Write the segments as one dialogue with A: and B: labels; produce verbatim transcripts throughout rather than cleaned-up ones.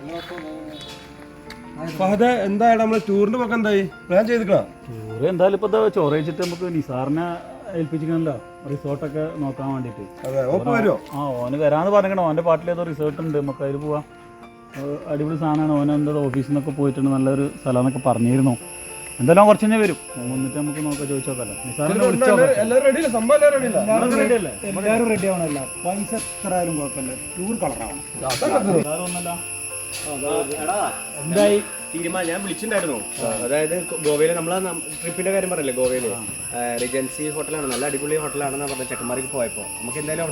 A: ഫഹദ് എന്തായാലും നമ്മള് ടൂറിന്റെ പக்கம் എന്തായി പ്ലാൻ ചെയ്തിക്കണോ?
B: ടൂർ എന്തായാലും ഇപ്പൊ ചോറ് വെച്ചിട്ട് നമുക്ക് നിസാറിനെ ഏൽപ്പിച്ചിരിക്കണല്ലോ റിസോർട്ടൊക്കെ നോക്കാൻ വേണ്ടിട്ട്. ആ ഓന് വരാന്ന് പറഞ്ഞിക്കണം. ഓന്റെ പാട്ടിൽ ഏതോ റിസോർട്ട് ഉണ്ട്, നമുക്ക് അതിൽ പോവാം. അടിപൊളി സാധനമാണ്. ഓൻ എന്താ ഓഫീസിൽ നിന്നൊക്കെ പോയിട്ടുണ്ട്, നല്ലൊരു സ്ഥലം എന്നൊക്കെ പറഞ്ഞിരുന്നു. എന്തായാലും കുറച്ച് കഴിഞ്ഞാൽ വരും. വന്നിട്ട് നമുക്ക് നോക്കാം, ചോദിച്ചു നോക്കാമല്ലോ. നിസാറിനെ വിളിച്ചോ.
C: എല്ലാവരും റെഡി ആവണല്ല. പൈസ എത്ര ആയാലും കുഴപ്പമില്ല, ടൂർ കളറാവണം.
B: ഒന്നല്ല
D: എന്തായി തീരുമാനം? ഞാൻ വിളിച്ചിട്ടുണ്ടായിരുന്നു. അതായത് ഗോവയില് നമ്മളെ ട്രിപ്പിന്റെ കാര്യം പറയല്ലേ, ഗോവയില് റിജൻസി ഹോട്ടലാണ്, നല്ല അടിപൊളി ഹോട്ടലാണെന്ന് പറഞ്ഞ ചെക്കന്മാർക്ക് പോയപ്പോ നമുക്ക് എന്തായാലും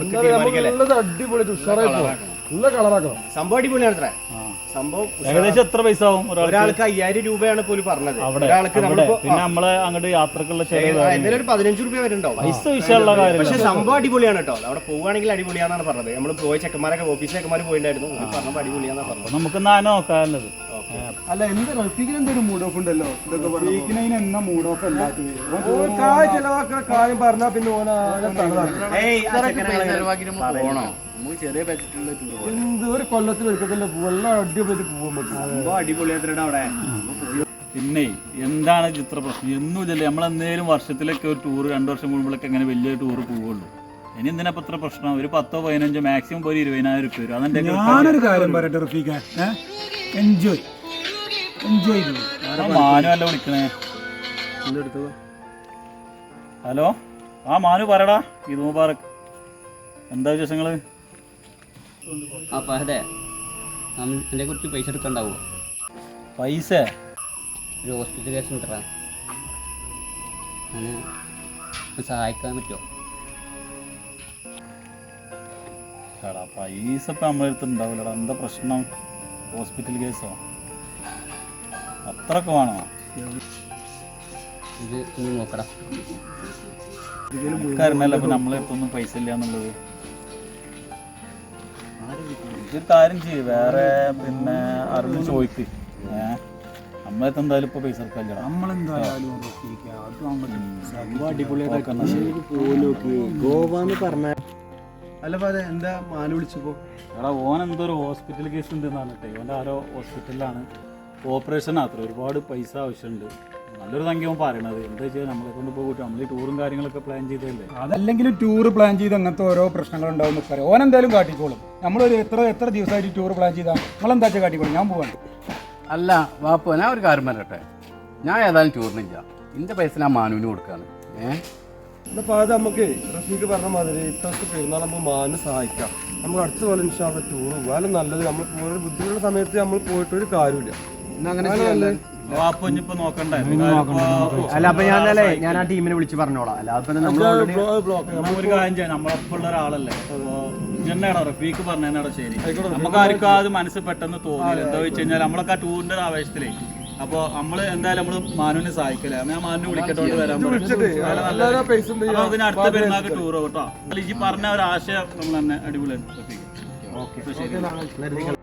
D: സംഭവം അടിപൊളിയാണ്. അത്ര സംഭവം
B: ഏകദേശം എത്ര പൈസ ആവും?
D: ഒരാൾക്ക് അയ്യായിരം രൂപയാണ് പോലും പറഞ്ഞത്. ഒരാൾക്ക്
B: പിന്നെ നമ്മളെ അങ്ങോട്ട് യാത്രക്കുള്ള
D: എന്തായാലും ഒരു പതിനഞ്ച് രൂപ വരുന്നുണ്ടാവും.
B: പൈസ വിഷയമുള്ള കാര്യം.
D: പക്ഷെ സംഭവം അടിപൊളിയാണ് കേട്ടോ. അവിടെ പോവുകയാണെങ്കിൽ അടിപൊളിയാണെന്നാണ് പറഞ്ഞത്. നമ്മൾ പോയ ചെക്കന്മാരൊക്കെ ഓഫീസിലെ ചെക്കന്മാർ പോയിട്ടുണ്ടായിരുന്നു, പറഞ്ഞപ്പോ അടിപൊളിയാണെന്നാണ് പറഞ്ഞത്.
B: നമുക്ക് നാനോ നോക്കാനുള്ളത്.
C: അല്ല എന്താ റഫീഖിന് എന്തൊരു മൂഡ് ഓഫ് ഉണ്ടല്ലോ? റഫീഖിന് എന്നാ മൂഡ് ഓഫ്
A: ചെലവാക്കുന്ന കാര്യം പറഞ്ഞാ പിന്നെ എന്ത് ഒരു കൊല്ലത്തിൽ എടുക്കത്തില്ല വെള്ളം അടിപൊളി പോകാൻ പറ്റും.
D: അടിപൊളിയായിട്ട് അവിടെ.
B: പിന്നെ എന്താണ് ചിത്ര പ്രശ്നം? എന്നുമില്ലല്ലേ നമ്മളെന്തേലും വർഷത്തിലൊക്കെ ഒരു ടൂർ രണ്ടു വർഷം കൂടുമ്പോഴൊക്കെ അങ്ങനെ വലിയ ടൂർ പോവുള്ളൂ. ഇനി എന്തിനാ ഇത്ര പ്രശ്നം? ഒരു പത്തോ പതിനഞ്ചോ മാക്സിമം ഒരു ഇരുപതിനായിരം രൂപ വരും. അതെന്റെ
C: ഞാനൊരു കാര്യം പറയട്ടെ റഫീഖ, എൻജോയ് എൻജോയ്
B: മാനു അല്ല വിളിക്കണേ. ഹലോ, ആ മാനു പറയടാ. ഇത് മുബാറക്, എന്താ വിശേഷങ്ങള്?
E: ആ ഫഹദേ, എൻ്റെ കുറച്ച് പൈസ എടുക്കണ്ടാവുമോ?
B: പൈസ
E: ഒരു ഹോസ്പിറ്റൽ കേസ് ഉണ്ടടാ, അങ്ങനെ സഹായിക്കാൻ പറ്റുമോ?
B: എടാ പൈസ ഇപ്പം നമ്മളെ അടുത്തുണ്ടാവില്ലടാ. എന്താ പ്രശ്നം? ഹോസ്പിറ്റൽ കേസോ? അത്രയൊക്കെ വേണോ?
E: ഇത് ഒന്ന് നോക്കടാ.
B: നമുക്കറിഞ്ഞല്ലോ ഇപ്പം നമ്മളെ അടുത്തൊന്നും പൈസ ഇല്ല എന്നുള്ളത്. ഇതൊരു കാര്യം ചെയ്യും, വേറെ പിന്നെ അറിഞ്ഞ് ചോദിക്ക്. ഏഹ് നമ്മളെടുത്ത് എന്തായാലും ഇപ്പൊ പൈസ എടുക്കാല്ലോ.
C: നമ്മളെന്തായാലും
A: ഗോവാന്ന് പറഞ്ഞ അല്ല എന്താ മാനു വിളിച്ചപ്പോ?
B: എടാ ഓൻ എന്തോ ഒരു ഹോസ്പിറ്റൽ കേസ് ഉണ്ട് പറഞ്ഞിട്ടേ. ഓൻ്റെ ആരോ ഹോസ്പിറ്റലിലാണ്, ഓപ്പറേഷൻ അത്ര ഒരുപാട് പൈസ ആവശ്യമുണ്ട്. നല്ലൊരു സംഖ്യ ഓൻ പറയണത്. എന്താ വെച്ചാൽ നമ്മളെ കൊണ്ട് പോയിട്ട് നമ്മൾ ഈ ടൂറും കാര്യങ്ങളൊക്കെ പ്ലാൻ ചെയ്തല്ലേ.
C: അതല്ലെങ്കിലും ടൂർ പ്ലാൻ ചെയ്ത് അങ്ങനത്തെ ഓരോ പ്രശ്നങ്ങളുണ്ടാവും പറയാം. ഓൻ എന്തായാലും കാട്ടിക്കോളും. നമ്മളൊരു എത്ര എത്ര ദിവസമായിട്ട് ടൂർ പ്ലാൻ ചെയ്താൽ നമ്മളെന്താ വെച്ചാൽ കാട്ടിക്കോളും. ഞാൻ പോവാണ്.
F: അല്ല വാപ്പ, ഞാൻ ഒരു കാര്യം പറയട്ടെ. ഞാൻ ഏതായാലും ടൂറിനില്ല, എൻ്റെ പൈസ ഞാൻ മാനുവിന് കൊടുക്കാണ്. ഏഹ്
A: എന്നപ്പോൾ അത് നമുക്ക് റഫീഖ് പറഞ്ഞ മാതിരി ഇപ്പോഴത്തെ പെരുന്നാൾ നമുക്ക് മാനു സഹായിക്കാം. നമുക്ക് അടുത്ത പോലെ ഇൻഷാള്ള ടൂർ പോകാനും നല്ലത്. നമ്മൾ ഒരു ബുദ്ധിമുട്ടുള്ള സമയത്ത് നമ്മൾ പോയിട്ടൊരു കാര്യമില്ല.
D: അല്ല അപ്പൊ ഞാനല്ലേ ഞാൻ ആ ടീമിനെ വിളിച്ച് പറഞ്ഞോളാം. അല്ലാതെ
B: ഒരു കാര്യം ചെയ്യാം, നമ്മളൊപ്പമുള്ള ഒരാളല്ലേ. ജന്നാടോ റഫീഖ് പറഞ്ഞാടോ ശരി. നമുക്ക് ആർക്കും അത് മനസ്സിൽ പെട്ടെന്ന് തോന്നില്ല. എന്താ വെച്ച് കഴിഞ്ഞാൽ നമ്മളൊക്കെ ആ ടൂറിന്റെ ഒരു ആവേശത്തിലേ. അപ്പൊ നമ്മള് എന്തായാലും നമ്മള് മാനുവിനെ സഹായിക്കല്ലേ. ഞാൻ മാനുവിനെ വിളിക്കട്ടോണ്ട് വരാൻ അപ്പൊ അതിന് അടുത്ത പെരുന്നാൾക്ക് ടൂർ കേട്ടോ. ഈ പറഞ്ഞ ഒരു ആശയം നമ്മൾ തന്നെ അടിപൊളിയാണ്. ശരി.